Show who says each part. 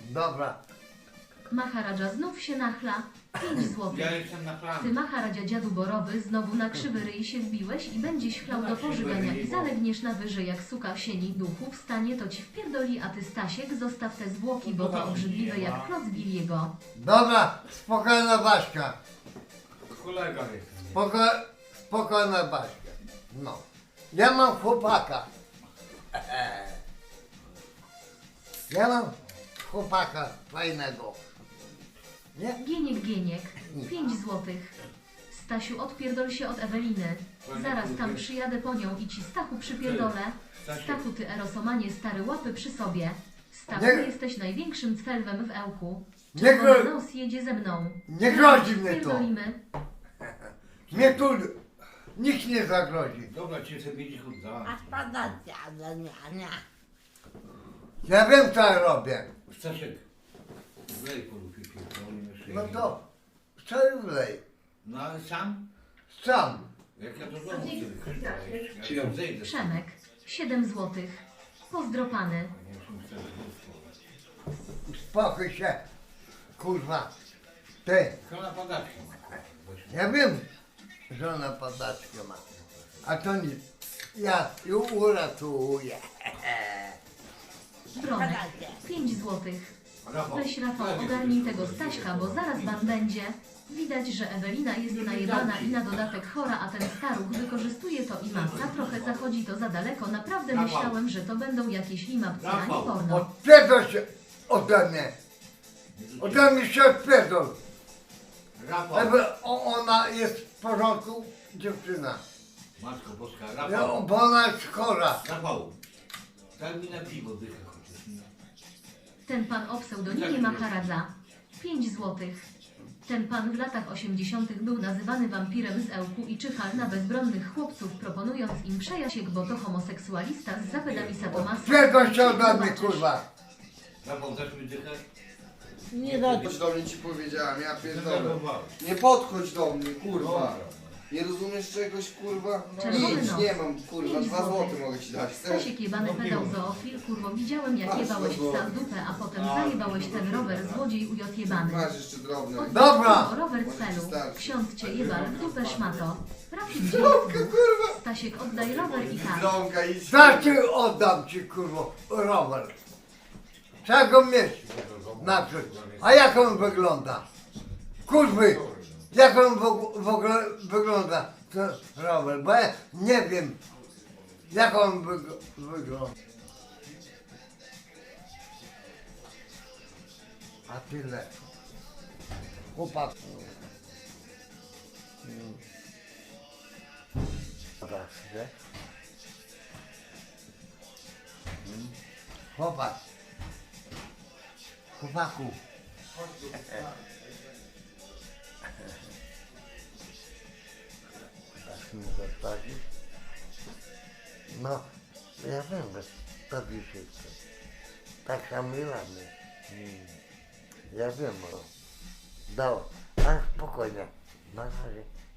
Speaker 1: Dobra.
Speaker 2: Maharadża znów się nachla. 5 złotych.
Speaker 3: Ja jestem na
Speaker 2: Ty
Speaker 3: planie.
Speaker 2: Maharadzia dziadu borowy znowu na krzywy ryj się wbiłeś i będziesz chlał do pożygania i zalegniesz na wyżej jak suka w sieni duchu wstanie to ci wpierdoli, a ty Stasiek zostaw te zwłoki, bo to obrzydliwe jak kloc Billiego.
Speaker 1: Dobra, spokojna Baśka.
Speaker 3: Kolega jest.
Speaker 1: Spokojna Baśka. No. Ja mam chłopaka. Ja mam chłopaka fajnego. Nie?
Speaker 2: Gieniek, 5 złotych. Stasiu, odpierdol się od Eweliny. Zaraz tam przyjadę po nią i ci Stachu przypierdolę. Stachu, ty erosomanie stary, łapy przy sobie. Stachu,
Speaker 1: Nie.
Speaker 2: jesteś największym cwelwem w Ełku.
Speaker 1: Nie
Speaker 2: Czerwony
Speaker 1: gro-
Speaker 2: nos jedzie ze mną.
Speaker 1: Nie grozi mnie to.
Speaker 2: Pierdolimy.
Speaker 1: Mnie tu nikt nie zagrozi.
Speaker 3: Dobra, cię sobie będzie chuda.
Speaker 4: A spadacie, ale nie.
Speaker 1: Ja wiem co ja robię.
Speaker 3: Stasiek, wlej po lupie pierdolimy szyję.
Speaker 1: No to czaj wlej.
Speaker 3: No ale sam?
Speaker 1: Sam.
Speaker 3: Jak ja do domu wtedy ja zejdę.
Speaker 2: Przemek, 7 złotych. Pozdropany.
Speaker 3: Nie wiem, czy mi
Speaker 1: Uspokój się. Kurwa. Ty.
Speaker 3: Kola padaczki.
Speaker 1: Ja wiem, że ona padaczkę ma. A to nic. Ja ją uratuję.
Speaker 2: Bronek, 5 złotych. Weź Rafał, ogarnij tego Staśka, bo zaraz ban będzie. Widać, że Ewelina jest najebana i na dodatek chora, a ten staruch wykorzystuje to i masa. Trochę zachodzi to za daleko. Naprawdę myślałem, że to będą jakieś limapce, a nie porno.
Speaker 1: Odpierdol się ode mnie. Ode mnie się odpierdol.
Speaker 3: Rafał,
Speaker 1: Ona jest w porządku, dziewczyna.
Speaker 3: Matko Boska,
Speaker 1: Ja,
Speaker 3: Rafał.
Speaker 1: bo ona jest chora.
Speaker 3: Rafał, daj mi na piwo dychę chociaż. No.
Speaker 2: Ten pan o pseudonimie Maharadza. 5 złotych. Ten pan w latach 80. był nazywany wampirem z Ełku i czyhał na bezbronnych chłopców, proponując im przejasiek, bo to homoseksualista z zapedami sadomasa.
Speaker 1: Odpierdol się ode mnie, kurwa.
Speaker 3: Rafał, dasz mi dychę?
Speaker 4: Nie do
Speaker 5: Chodź do mnie ci powiedziałem, ja pierdolę.
Speaker 3: Zdenerwowałeś.
Speaker 5: Nie podchodź do mnie, kurwa.
Speaker 3: Dobra.
Speaker 5: Nie rozumiesz czegoś, kurwa?
Speaker 2: Czerwony
Speaker 5: Nic,
Speaker 2: nos.
Speaker 5: nie mam, kurwa,
Speaker 2: 5
Speaker 5: 2 złote mogę ci dać. Chcesz?
Speaker 2: Stasiek jebany pedał zoofil, kurwo, widziałem jak jebałeś psa w dupę, a potem zajebałeś ten rower złodziej ujot jebany.
Speaker 5: Masz jeszcze drobne.
Speaker 1: Dobra.
Speaker 2: O rower
Speaker 5: Może
Speaker 2: celu.
Speaker 5: ci starczy.
Speaker 2: Ksiądz cię jebal w dupę szmato. Trafił cię
Speaker 5: Drobka, kurwa.
Speaker 2: Stasiek, oddaj rower i tak.
Speaker 5: Drąga idź.
Speaker 1: Znaczy oddam ci, kurwa, rower. Trzeba go mieć. Naprzód. A jak on wygląda? Kurwy, jak on w ogóle wygląda, ten rower? Bo ja nie wiem, jak on wygląda. A tyle. Chłopak. Chłopak. Chłopaku. Tak mi zostawisz? No, ja wiem, że tobie się chce. Tak samo i mamy. Ja wiem, no. Dobra, ale spokojnie. Na razie.